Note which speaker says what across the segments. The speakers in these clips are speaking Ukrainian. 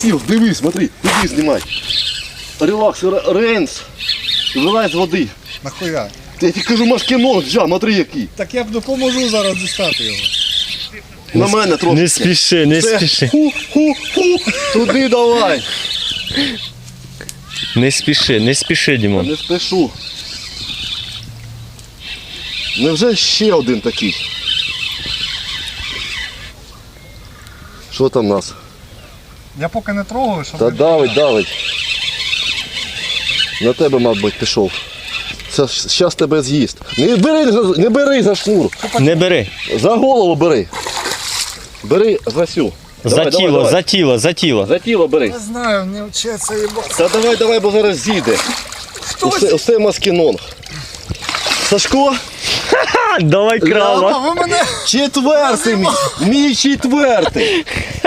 Speaker 1: Ігор, дивись, смотри, туди знімай. Релакс, рейнс. Вилазь з води.
Speaker 2: Нахуя?
Speaker 1: Я тобі кажу, машкінон, джа, смотри який.
Speaker 2: Так я б допоможу зараз дістати його.
Speaker 1: На мене трошки.
Speaker 3: Не спіши, не
Speaker 1: Це
Speaker 3: спіши.
Speaker 1: ху-ху-ху. Туди давай.
Speaker 3: Не спіши, Дімон.
Speaker 1: Не спішу. Невже ще один такий? Що там у нас?
Speaker 2: Я поки не трогаю, щоб...
Speaker 1: Та давить. На тебе, мабуть, пішов. Зараз тебе з'їсть. Не бери за шнур.
Speaker 3: Не бери.
Speaker 1: За голову бери. Бери за сю.
Speaker 3: За тіло.
Speaker 1: За тіло бери.
Speaker 2: Не знаю, не вчиться їбати.
Speaker 1: Та давай, бо зараз з'їде. Усе маскінонг. Сашко?
Speaker 3: Давай крава.
Speaker 2: Ви мене...
Speaker 1: Четвертий мій четвертий.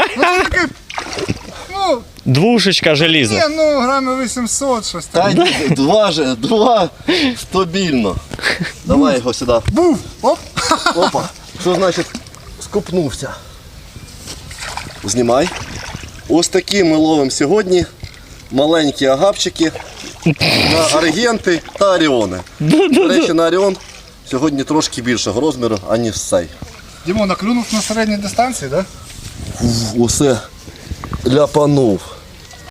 Speaker 2: Ну,
Speaker 3: Двушечка желізна.
Speaker 2: ні, ну, грамів 800, щось там.
Speaker 1: Та два стабільно. Давай його сюди.
Speaker 2: Був! Оп!
Speaker 1: Опа. Що значить скупнувся? Знімай. Ось такі ми ловимо сьогодні маленькі агапчики на аргенти та оріони. До речі, на оріон сьогодні трошки більшого розміру, аніж цей.
Speaker 2: Дімон, наклюнув на середній дистанції, так? Да?
Speaker 1: Усе ляпанув.